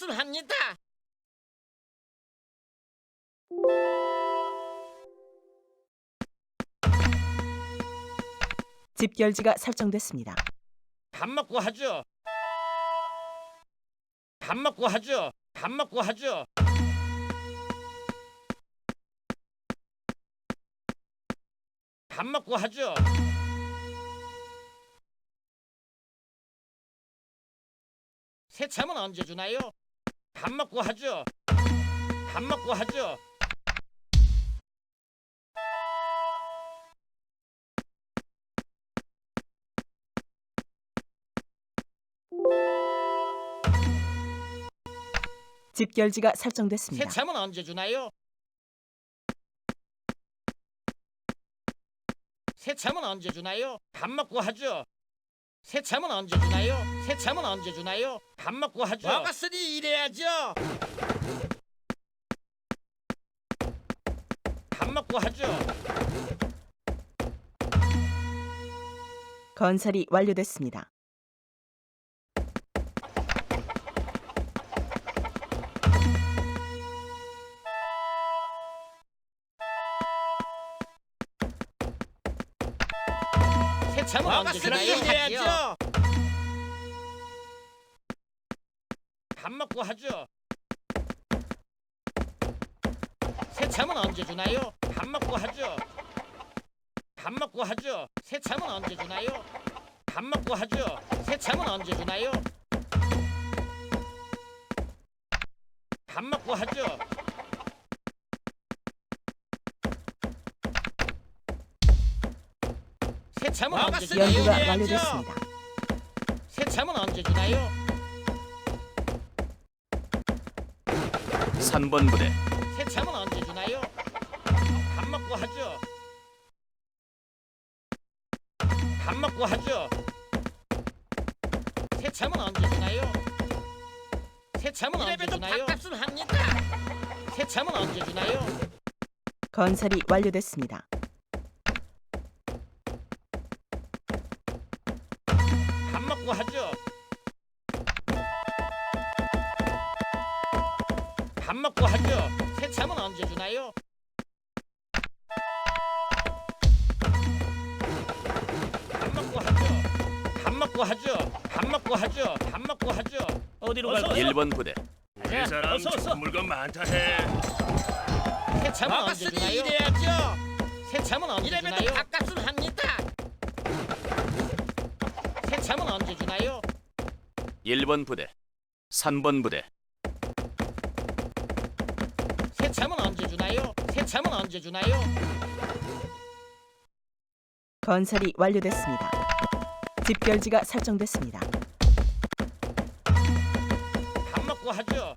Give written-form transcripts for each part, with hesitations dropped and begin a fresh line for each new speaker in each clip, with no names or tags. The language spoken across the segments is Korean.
바깥은 합니다.
집결지가 설정됐습니다.
밥 먹고 하죠. 밥 먹고 하죠. 밥 먹고 하죠. 밥 먹고 하죠. 새참은 언제 주나요? 밥 먹고 하죠. 밥 먹고 하죠.
집결지가 설정됐습니다.
새참은 언제 주나요? 새참은 언제 주나요? 밥 먹고 하죠. 새참은 언제 주나요? 새참은 언제 주나요? 밥 먹고 하죠. 먹었으니 일해야죠. 밥 먹고 하죠.
건설이 완료됐습니다.
새참은 언제 주나요? 일해야죠. 밥 먹고 하죠. 새참은 언제 주나요? 밥 먹고 하죠. 밥 먹고 하죠. 새참은 언제 주나요? 밥 먹고 하죠. 새참은 언제 주나요? 밥 먹고 하죠. 새참은 언제 주나요?
연구가
일해야죠.
완료됐습니다.
새참은 언제 주나요?
3번 부대
새참은 언제 주나요? 밥 먹고 하죠. 밥 먹고 하죠. 새참은 언제 주나요? 새참은 언제 주나요? 밥값은 합니다. 새참은 언제 주나요?
건설이 완료됐습니다.
밥 먹고 하죠. 밥 먹고 하죠. 새참은 언제 주나요? 밥 먹고 하죠. 밥 먹고 하죠. 밥 먹고 하죠. 밥 먹고 하죠. 어디로 갈까요?
1번 부대
이 사람
좋은 물건 많다 해.
새참은 언제 주나요? 일해야죠. 새참은 언제 주나요? 밥값은 합니다. 새참은 언제 주나요?
1번 부대 3번 부대
새참은 언제 주나요? 새참은 언제 주나요?
건설이 완료됐습니다. 집결지가 설정됐습니다.
밥 먹고 하죠.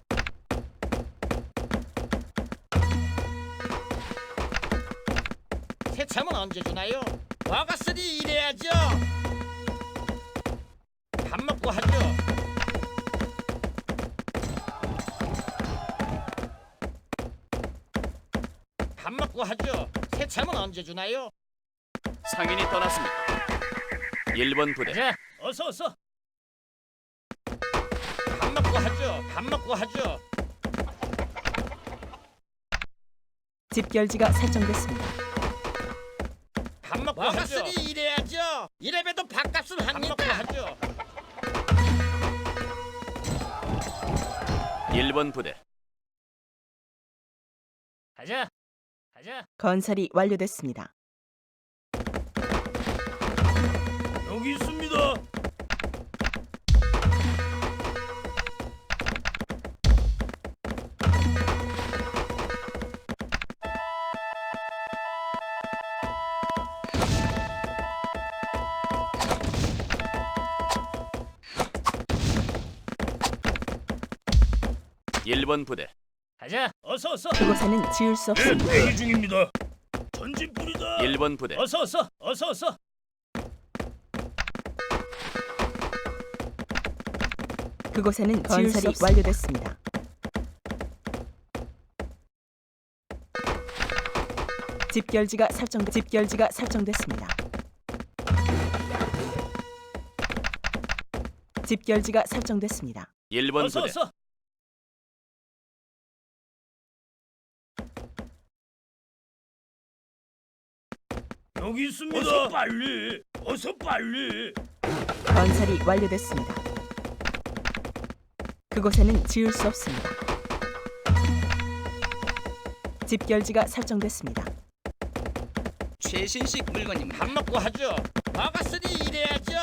새참은 언제 주나요? 먹었으니 일해야죠. 밥 먹고 하죠. 밥 먹고 하죠. 새참은 언제 주나요?
상인이 떠났습니다. 1번 부대
자, 어서. 밥 먹고 하죠. 밥 먹고 하죠.
집결지가 설정됐습니다.
밥 먹고 하죠. 먹었으니 일해야죠. 이래봬도 밥값은 합니다. 밥 먹고 하죠.
1번 부대
가자.
건설이 완료됐습니다.
여기 있습니다.
일 번 부대
가자. 어서.
그곳에는 지을 수 없습니다.
대기 중입니다. 전진 뿌리다.
1번 부대
어서.
그곳에는 건설이 완료됐습니다. 집결지가 설정됐습니다. 집결지가 설정됐습니다.
1번 부대
여기 있습니다. 어서 빨리. 어서 빨리.
건설이 완료됐습니다. 그곳에는 지을 수 없습니다. 집결지가 설정됐습니다.
최신식 물건입니다.
밥 먹고 하죠. 먹었으니 일해야죠.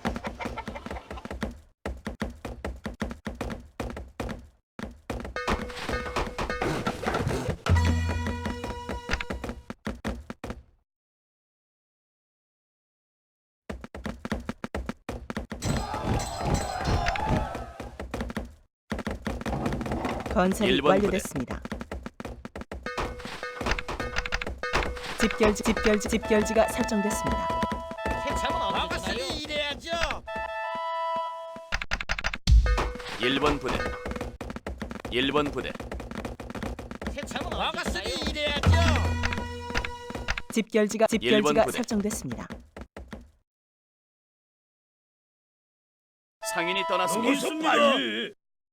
건설이
일본 부대.
완료됐습니다. 집결지가 설정됐습니다.
세참은 언제 주나요? 먹었으니 일해야죠.
1번 부대 1번 부대
세참은 언제 주나요? 먹었으니 일해야죠.
집결지가
일본 부대.
설정됐습니다.
상인이
여기
떠났습니다.
있습니다. 빨리.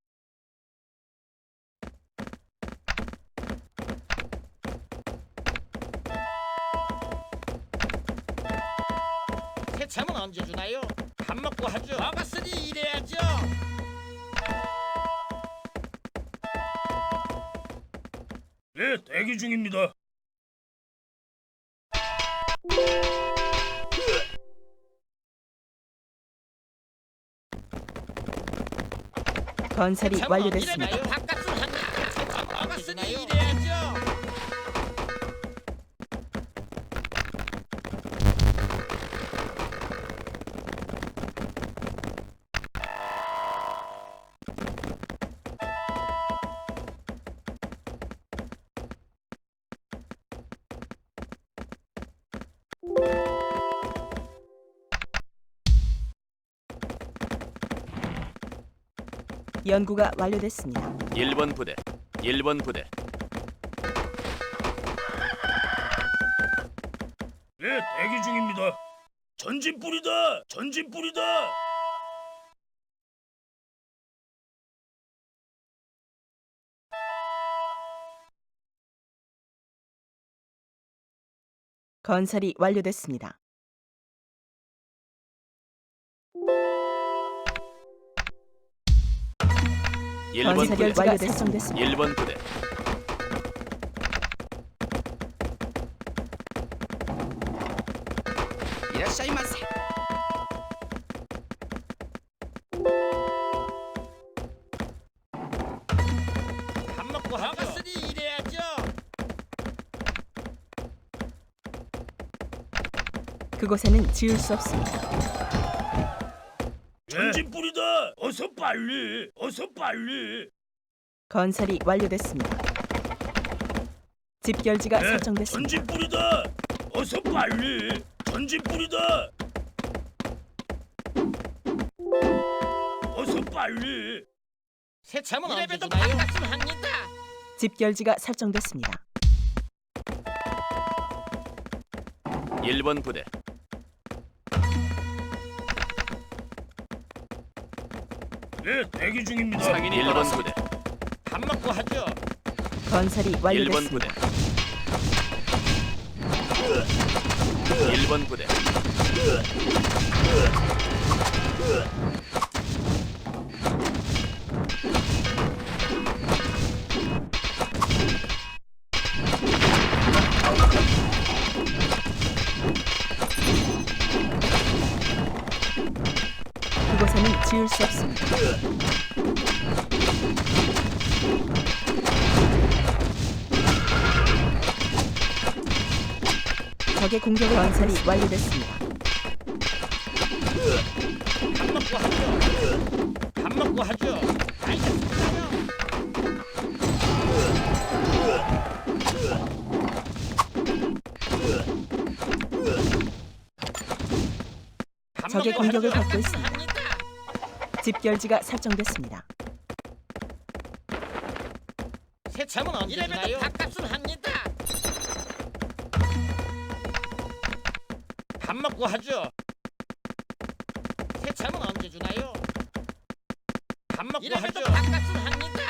세참은 언제 주나요? 밥 먹고 하죠. 먹었으니 일해야죠.
네, 대기 중입니다.
건설이
세참은
완료됐습니다.
언제 주나요? 밥값은 합니다. 세참은 먹었으니 일해야죠.
연구가 완료됐습니다.
1번 부대 1번 부대
네, 대기 중입니다. 전진 뿌리다. 전진 뿌리다.
건설이 완료됐습니다.
일번 부대
건설결지가 완료됐습니다. 설정됐습니다.
1번 부대
이라샤이마세.
밥 먹고 하죠. 먹었으니 일해야죠.
그곳에는 지을 수 없습니다.
전진 뿌리다. 어서 빨리. 어서 빨리.
건설이 완료됐습니다. 집결지가
네,
설정됐습니다.
전진 뿌리다. 어서 빨리. 전진 뿌리다. 어서 빨리.
세참은 언제 주나요? 밥값은 합니다.
집결지가 설정됐습니다.
1번 부대
네, 대기 중입니다.
상인이 1번 부대
밥 먹고 하죠.
건설이
1번
완료됐습니다.
부대 1번 부대
그곳에는 지을 수 없습니다. 적의 공격을 건설이 완료됐습니다.
밥 먹고 하죠. 밥 먹고 하죠. 알겠습니다. 밥
적의
먹고
공격을
하죠.
받고 있습니다.
합니다.
집결지가 설정됐습니다.
세참은 언제 주나요? 밥값은 합니다. 밥 먹고 하죠. 세참은 언제 주나요? 밥 먹고 하죠. 밥값은 합니다.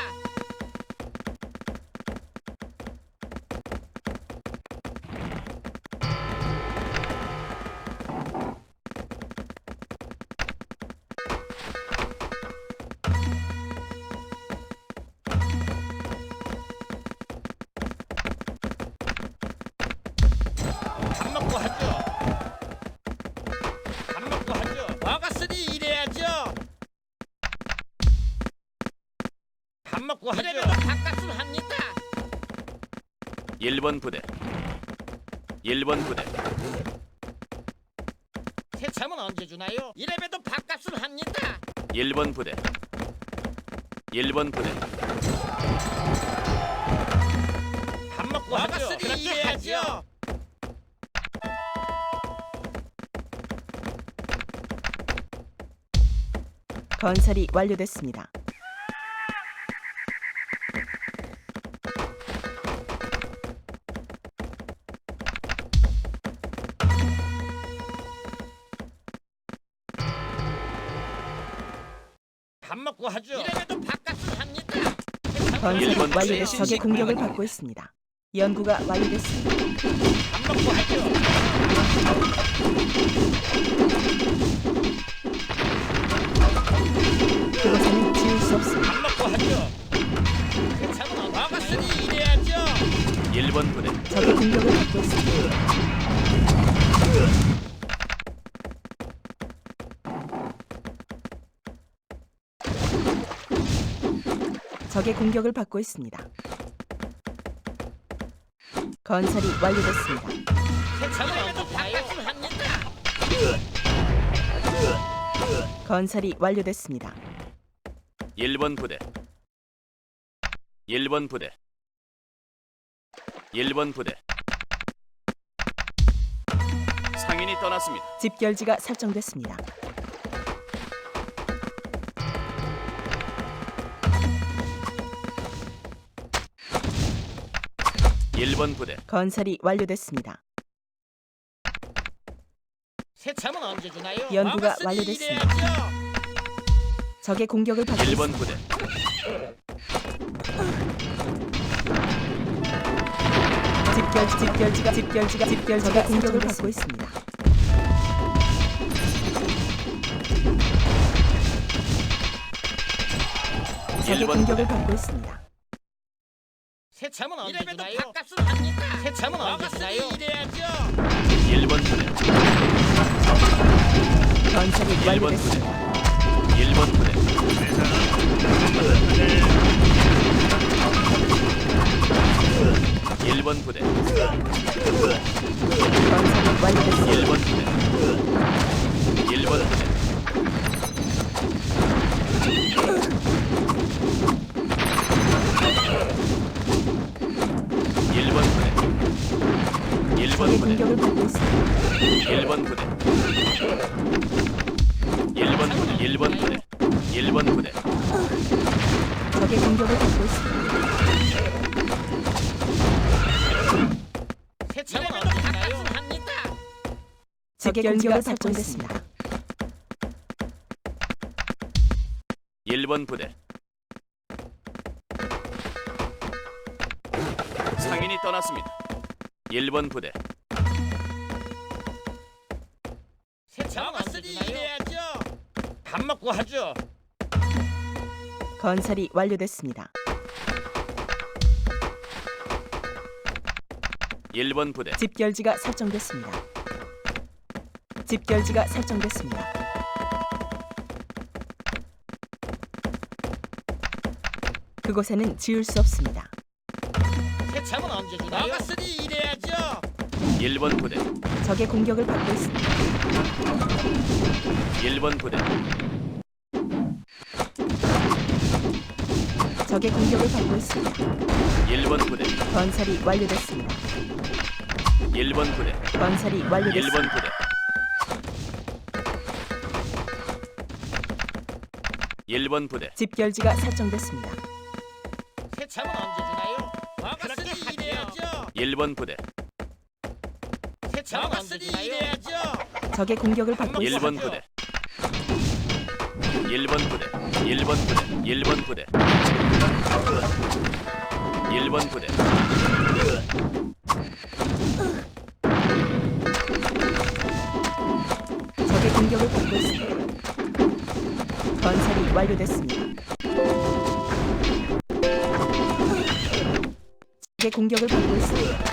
먹고 하죠. 이래봬도 밥값을 합니다.
1번 부대 1번 부대
새참은 언제 주나요? 이래봬도 밥값을 합니다.
1번 부대 1번 부대
밥 먹고 하죠. 그렇게 하죠.
건설이 완료됐습니다.
밥 먹고 하죠. 이래봬도 밥값을 합니다.
건설이
일본
완료돼
최신
적의 공격을
식품입니다.
받고 있습니다. 연구가 완료됐습니다.
밥 먹고 하죠.
그곳에는 지울 수 없습니다.
밥 먹고 하죠. 새참은 언제 먹었으니 이래야죠.
1번 부대
적의 공격을 받고 있습니다. 적의 공격을 받고 있습니다. 건설이 완료됐습니다.
새참은 언제 밥값을 합니다.
건설이 완료됐습니다.
1번 부대 1번 부대 1번 부대 상인이 떠났습니다.
집결지가 설정됐습니다.
일 번 부대
건설이 완료됐습니다.
새참은 언제 주나요?
연구가
먹었으니
완료됐습니다.
이래야죠.
적의 공격을 받고
1번
있습니다.
부대
집결지가 적의 공격을 받고 있습니다. 적의
1번
공격을
부대
받고 있습니다.
새참은 언제 주나요? 밥값을 합니다. 새참은 언제 주나요? 이래야죠.
1번 부대
건설이
1번 부대
완료됐습니다.
1번 부대 1번 부대
건설이 완료됐습니다.
1번 부대 1번 부대 1번 부대 1번
적의
부대
공격을 받고 있습니다.
1번 부대 1번 부대 1번 부대 1번 부대
적의 공격을 받고 있습니다.
새참은 언제 주나요? 합니다.
적의 공격을 받고 있습니다.
1번 부대 상인이 떠났습니다. 1번 부대
새참은 언제 주나요? 이래야죠. 밥 먹고 하죠.
건설이 완료됐습니다.
1번 부대
집결지가 설정됐습니다. 집결지가 설정됐습니다. 그곳에는 지을 수 없습니다.
새참은 언제 주나요? 먹었으니 이래야죠.
1번 부대
적의 공격을 받고 있습니다.
1번 부대
적의 공격을 받고 있습니다.
1번 부대
건설이 완료됐습니다.
1번 부대
건설이 완료됐습니다.
1번 부대 1번 부대
집결지가 설정됐습니다.
새참은 언제 주나요? 먹었으니 이래야죠.
1번 부대
새참은 언제 주나요? 이래야죠.
적의 공격을 받고 있습니다.
1번 부대 1번 부대 1번 부대 1번 부대 1번 부대
적의 공격을 받고 있습니다. 건설이 완료됐습니다. 적의 공격을 받고 있습니다.